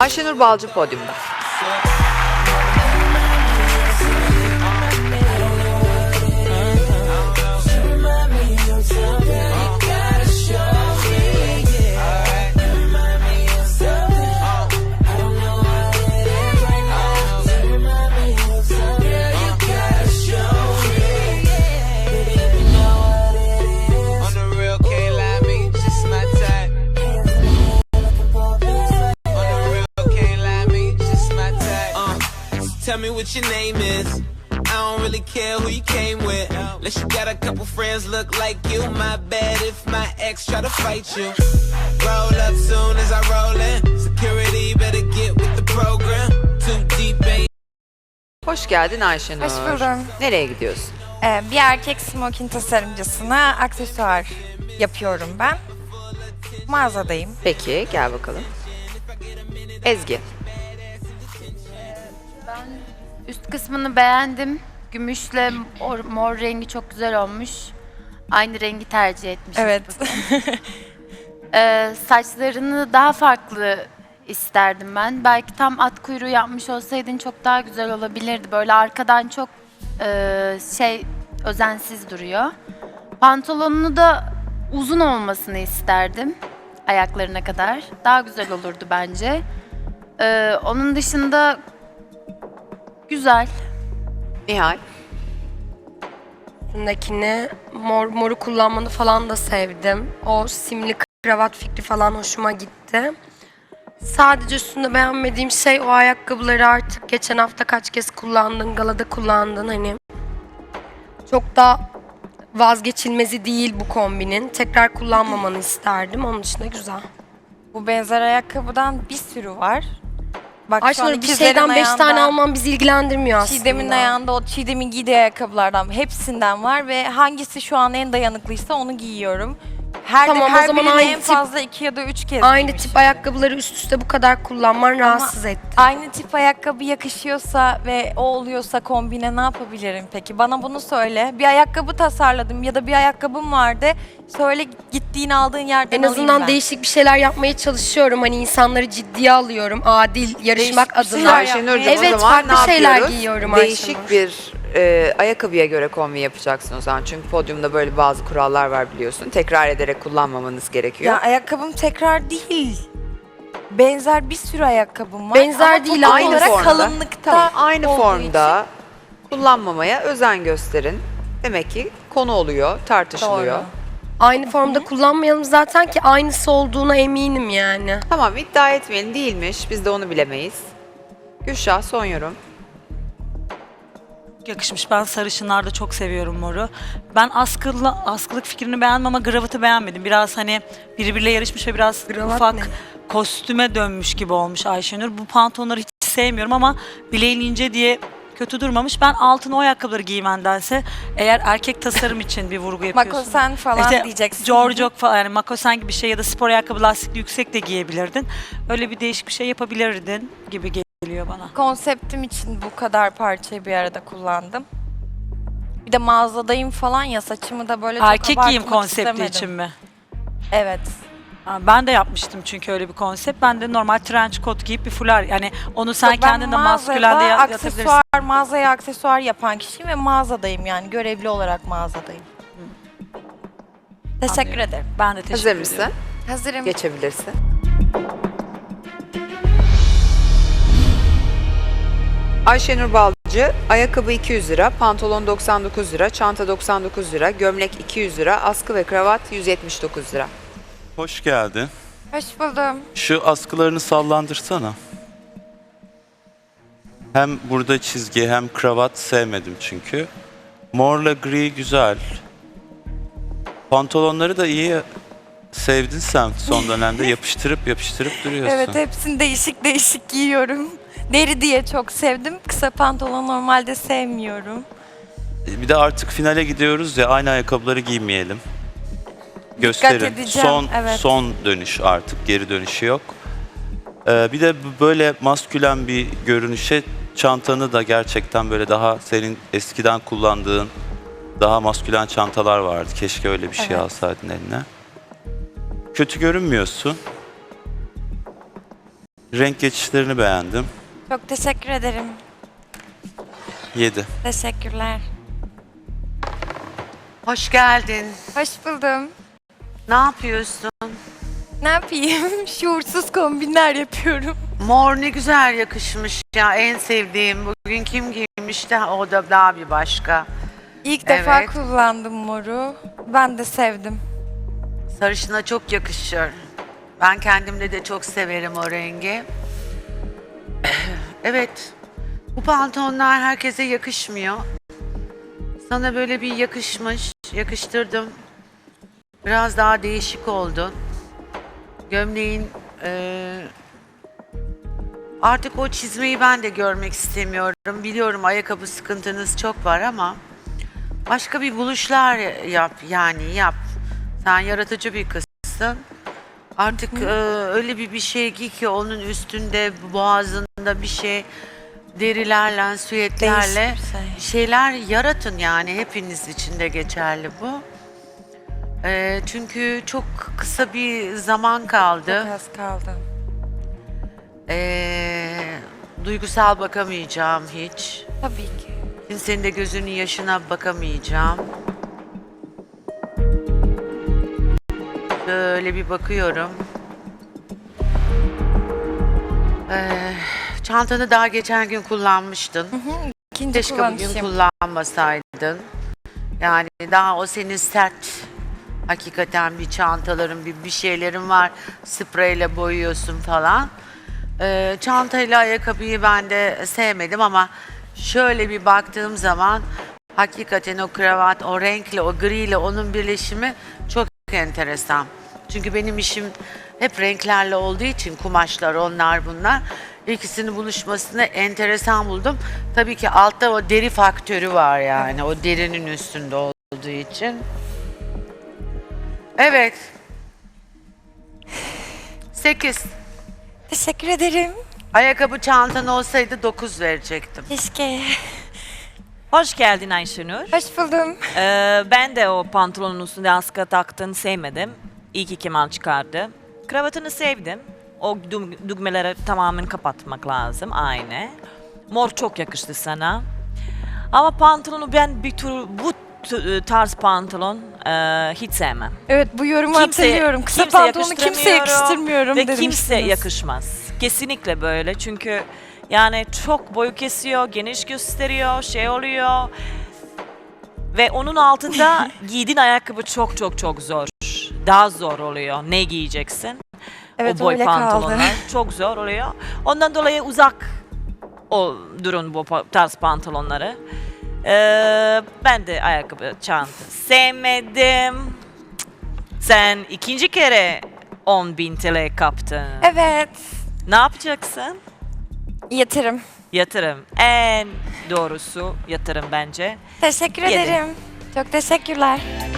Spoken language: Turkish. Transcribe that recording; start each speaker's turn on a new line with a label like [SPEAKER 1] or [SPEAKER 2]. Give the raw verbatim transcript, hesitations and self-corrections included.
[SPEAKER 1] Ayşenur Balcı podyumda.
[SPEAKER 2] Tell me what your name is. I don't really care who you came with. Unless you got a couple friends look like you. My bad if my ex try to fight you. Roll up soon as I roll in. Security better get with the program. Too deep ain't.
[SPEAKER 1] Hoş geldin Ayşenur.
[SPEAKER 3] Hoş buldum.
[SPEAKER 1] Nereye gidiyorsun?
[SPEAKER 3] Ee, bir erkek smoking tasarımcısına aksesuar yapıyorum ben. Mağazadayım.
[SPEAKER 1] Peki gel bakalım. Ezgi.
[SPEAKER 4] Üst kısmını beğendim. Gümüşle mor, mor rengi çok güzel olmuş. Aynı rengi tercih etmişiz.
[SPEAKER 3] Evet.
[SPEAKER 4] Ee, saçlarını daha farklı isterdim ben. Belki tam at kuyruğu yapmış olsaydın çok daha güzel olabilirdi. Böyle arkadan çok e, şey özensiz duruyor. Pantolonunu da uzun olmasını isterdim. Ayaklarına kadar. Daha güzel olurdu bence. Ee, onun dışında güzel.
[SPEAKER 1] Nihal.
[SPEAKER 5] Üstündekini mor, moru kullanmanı falan da sevdim. O simli kravat fikri falan hoşuma gitti. Sadece üstünde beğenmediğim şey o ayakkabıları artık geçen hafta kaç kez kullandın, galada kullandın hani. Çok da vazgeçilmezi değil bu kombinin. Tekrar kullanmamanı isterdim. Onun dışında güzel.
[SPEAKER 3] Bu benzer ayakkabıdan bir sürü var. Bak şu an
[SPEAKER 5] Ayşenur bir
[SPEAKER 3] ikizlerin
[SPEAKER 5] şeyden beş
[SPEAKER 3] ayağında-
[SPEAKER 5] tane alman bizi ilgilendirmiyor aslında.
[SPEAKER 3] Çiğdem'in ayağında o Çiğdem'in giydiği ayakkabılardan hepsinden var ve hangisi şu an en dayanıklıysa onu giyiyorum. Her,
[SPEAKER 5] Tamam, o
[SPEAKER 3] her
[SPEAKER 5] zaman
[SPEAKER 3] birini
[SPEAKER 5] aynı
[SPEAKER 3] en
[SPEAKER 5] tip-
[SPEAKER 3] fazla iki ya da üç kez
[SPEAKER 5] Aynı
[SPEAKER 3] giymişim.
[SPEAKER 5] tip ayakkabıları üst üste bu kadar kullanman rahatsız etti.
[SPEAKER 3] Aynı tip ayakkabı yakışıyorsa ve o oluyorsa kombine ne yapabilirim peki? Bana bunu söyle. Bir ayakkabı tasarladım ya da bir ayakkabım vardı. Söyle gittiğin aldığın yerden
[SPEAKER 5] En
[SPEAKER 3] alayım
[SPEAKER 5] azından
[SPEAKER 3] ben.
[SPEAKER 5] değişik bir şeyler yapmaya çalışıyorum. Hani insanları ciddiye alıyorum. Adil yarışmak
[SPEAKER 3] Değişik bir
[SPEAKER 5] adına.
[SPEAKER 3] şeyler
[SPEAKER 1] Ayşenur'cum
[SPEAKER 5] Evet,
[SPEAKER 1] o zaman
[SPEAKER 5] farklı
[SPEAKER 1] ne
[SPEAKER 5] şeyler
[SPEAKER 1] yapıyoruz?
[SPEAKER 5] giyiyorum
[SPEAKER 1] Değişik
[SPEAKER 5] Ayşenur.
[SPEAKER 1] bir e, ayakkabıya göre kombi yapacaksın o zaman. Çünkü podyumda böyle bazı kurallar var biliyorsun. Tekrar ederek kullanmamanız gerekiyor.
[SPEAKER 3] Ya ayakkabım tekrar değil. Benzer bir sürü ayakkabım var.
[SPEAKER 5] Benzer
[SPEAKER 3] Ama
[SPEAKER 5] değil
[SPEAKER 3] top
[SPEAKER 5] ama
[SPEAKER 1] aynı
[SPEAKER 3] olarak
[SPEAKER 1] formda.
[SPEAKER 3] kalınlıkta
[SPEAKER 1] Tamam, aynı
[SPEAKER 3] olduğu
[SPEAKER 1] formda kullanmamaya özen gösterin. Demek ki konu oluyor,
[SPEAKER 3] için.
[SPEAKER 1] tartışılıyor.
[SPEAKER 3] Doğru.
[SPEAKER 5] Aynı formda kullanmayalım zaten ki aynısı olduğuna eminim yani.
[SPEAKER 1] Tamam iddia etmeyelim değilmiş. Biz de onu bilemeyiz. Gülşah son yorum.
[SPEAKER 6] Yakışmış. Ben sarışınlarda çok seviyorum moru. Ben askılı, askılık fikrini beğendim ama gravatı beğenmedim. Biraz hani birbiriyle yarışmış ve biraz
[SPEAKER 5] Gravat
[SPEAKER 6] ufak
[SPEAKER 5] ne?
[SPEAKER 6] kostüme dönmüş gibi olmuş Ayşenur. Bu pantolonları hiç sevmiyorum ama bileğin ince diye kötü durmamış. Ben altına o ayakkabıları giymendense eğer erkek tasarım için bir vurgu yapıyorsun.
[SPEAKER 3] Makosen falan
[SPEAKER 6] İşte
[SPEAKER 3] diyeceksin.
[SPEAKER 6] Giorgio falan yani makosen gibi bir şey ya da spor ayakkabı lastikli yüksek de giyebilirdin. Öyle bir değişik bir şey yapabilirdin gibi geliyor bana.
[SPEAKER 3] Konseptim için bu kadar parçayı bir arada kullandım. Bir de mağazadayım falan ya saçımı da böyle çok
[SPEAKER 6] Erkek giyim
[SPEAKER 3] abartmak
[SPEAKER 6] konsepti
[SPEAKER 3] istemedim.
[SPEAKER 6] için mi?
[SPEAKER 3] Evet.
[SPEAKER 6] Ha, ben de yapmıştım çünkü öyle bir konsept. Ben de normal trench coat giyip bir fular yani onu sen
[SPEAKER 3] Yok, ben
[SPEAKER 6] kendin de maskülen de
[SPEAKER 3] mağazada
[SPEAKER 6] ya- yatabilirsin.
[SPEAKER 3] aksesuar, mağazaya aksesuar yapan kişiyim ve mağazadayım yani görevli olarak mağazadayım. Teşekkür
[SPEAKER 6] Anlıyorum.
[SPEAKER 3] ederim.
[SPEAKER 6] Ben de teşekkür
[SPEAKER 1] Hazır
[SPEAKER 6] ederim.
[SPEAKER 1] mısın?
[SPEAKER 3] Hazırım.
[SPEAKER 1] Geçebilirsin. Ayşenur Balcı, ayakkabı iki yüz lira, pantolon doksan dokuz lira, çanta doksan dokuz lira, gömlek iki yüz lira, askı ve kravat yüz yetmiş dokuz lira.
[SPEAKER 7] Hoş geldin.
[SPEAKER 3] Hoş buldum.
[SPEAKER 7] Şu askılarını sallandırsana. Hem burada çizgi hem kravat sevmedim çünkü. Morla gri güzel. Pantolonları da iyi sevdin sen son dönemde. Yapıştırıp yapıştırıp duruyorsun.
[SPEAKER 3] Evet hepsini değişik değişik giyiyorum. Deri diye çok sevdim. Kısa pantolon normalde sevmiyorum.
[SPEAKER 7] Bir de artık finale gidiyoruz ya aynı ayakkabıları giymeyelim. Gösterin.
[SPEAKER 3] edeceğim,
[SPEAKER 7] Son
[SPEAKER 3] evet.
[SPEAKER 7] son dönüş artık. Geri dönüşü yok. Ee, bir de bu- böyle maskülen bir görünüşe çantanı da gerçekten böyle daha senin eskiden kullandığın daha maskülen çantalar vardı. Keşke öyle bir şey
[SPEAKER 3] Evet.
[SPEAKER 7] alsaydın eline. Kötü görünmüyorsun. Renk geçişlerini beğendim.
[SPEAKER 3] Çok teşekkür ederim.
[SPEAKER 7] yedi.
[SPEAKER 3] Teşekkürler.
[SPEAKER 8] Hoş geldin.
[SPEAKER 3] Hoş buldum.
[SPEAKER 8] Ne yapıyorsun?
[SPEAKER 3] Ne yapayım? Şuursuz kombinler yapıyorum.
[SPEAKER 8] Mor ne güzel yakışmış ya. En sevdiğim. Bugün kim giymiş de o da daha bir başka.
[SPEAKER 3] İlk defa
[SPEAKER 8] Evet.
[SPEAKER 3] kullandım moru. Ben de sevdim.
[SPEAKER 8] Sarışına çok yakışır. Ben kendimde de çok severim o rengi. Evet. Bu pantolonlar herkese yakışmıyor. Sana böyle bir yakışmış. Yakıştırdım. Biraz daha değişik oldun. Gömleğin eee, artık o çizmeyi ben de görmek istemiyorum. Biliyorum ayakkabı sıkıntınız çok var ama başka bir buluşlar yap yani yap. Sen yaratıcı bir kızsın. Artık eee, öyle bir bir şey giy ki onun üstünde boğazında bir şey derilerle, süetlerle
[SPEAKER 3] Değişik bir şey.
[SPEAKER 8] şeyler yaratın yani hepiniz için de geçerli bu. Eee, çünkü çok kısa bir zaman kaldı.
[SPEAKER 3] Çok az kaldı.
[SPEAKER 8] Eee, duygusal bakamayacağım hiç.
[SPEAKER 3] Tabii ki.
[SPEAKER 8] Kimsenin de gözünün yaşına bakamayacağım. Böyle bir bakıyorum. Eee, çantanı daha geçen gün kullanmıştın.
[SPEAKER 3] İkinci
[SPEAKER 8] Keşke bugün
[SPEAKER 3] kullanışım.
[SPEAKER 8] kullanmasaydın. Yani daha o senin sert hakikaten bir çantaların bir, bir şeylerin var. Spreyle boyuyorsun falan. Ee, çantayla ayakkabıyı ben de sevmedim ama şöyle bir baktığım zaman hakikaten o kravat, o renkle, o griyle onun birleşimi çok enteresan. Çünkü benim işim hep renklerle olduğu için kumaşlar onlar bunlar. İkisinin buluşmasını enteresan buldum. Tabii ki altta o deri faktörü var yani. O derinin üstünde olduğu için. Evet. sekiz.
[SPEAKER 3] Teşekkür ederim.
[SPEAKER 8] Ayakkabı çantan olsaydı dokuz verecektim.
[SPEAKER 3] Keşke.
[SPEAKER 9] Hoş geldin Ayşenur.
[SPEAKER 3] Hoş buldum.
[SPEAKER 9] Ee, ben de o pantolonun üstünde askı taktığını sevmedim. İyi ki Kemal çıkardı. Kravatını sevdim. O dü- düğmeleri tamamen kapatmak lazım. Aynı. Mor çok yakıştı sana. Ama pantolonu ben bir tür bu t- tarz pantolon e, hiç sevmem.
[SPEAKER 3] Evet, bu yorumu
[SPEAKER 9] Kimse-
[SPEAKER 3] hatırlıyorum. Kısa
[SPEAKER 9] kimse
[SPEAKER 3] pantolonu kimse
[SPEAKER 9] yakıştıramıyorum
[SPEAKER 3] yakıştırmıyorum
[SPEAKER 9] ve
[SPEAKER 3] demiştiniz.
[SPEAKER 9] kimse yakışmaz. Kesinlikle böyle çünkü yani çok boyu kesiyor, geniş gösteriyor, şey oluyor. Ve onun altında giydiğin ayakkabı çok çok çok zor. Daha zor oluyor. Ne giyeceksin?
[SPEAKER 3] Evet,
[SPEAKER 9] o boy
[SPEAKER 3] öyle kaldı.
[SPEAKER 9] pantolonlar çok zor oluyor. Ondan dolayı uzak o durun bu pa- tarz pantolonları. Ee, ben de ayakkabı, çanta sevmedim. Sen ikinci kere on bin T L kaptın.
[SPEAKER 3] Evet.
[SPEAKER 9] Ne yapacaksın?
[SPEAKER 3] Yatırım.
[SPEAKER 9] Yatırım. En doğrusu yatırım bence.
[SPEAKER 3] Teşekkür
[SPEAKER 9] Yedi.
[SPEAKER 3] ederim. Çok teşekkürler.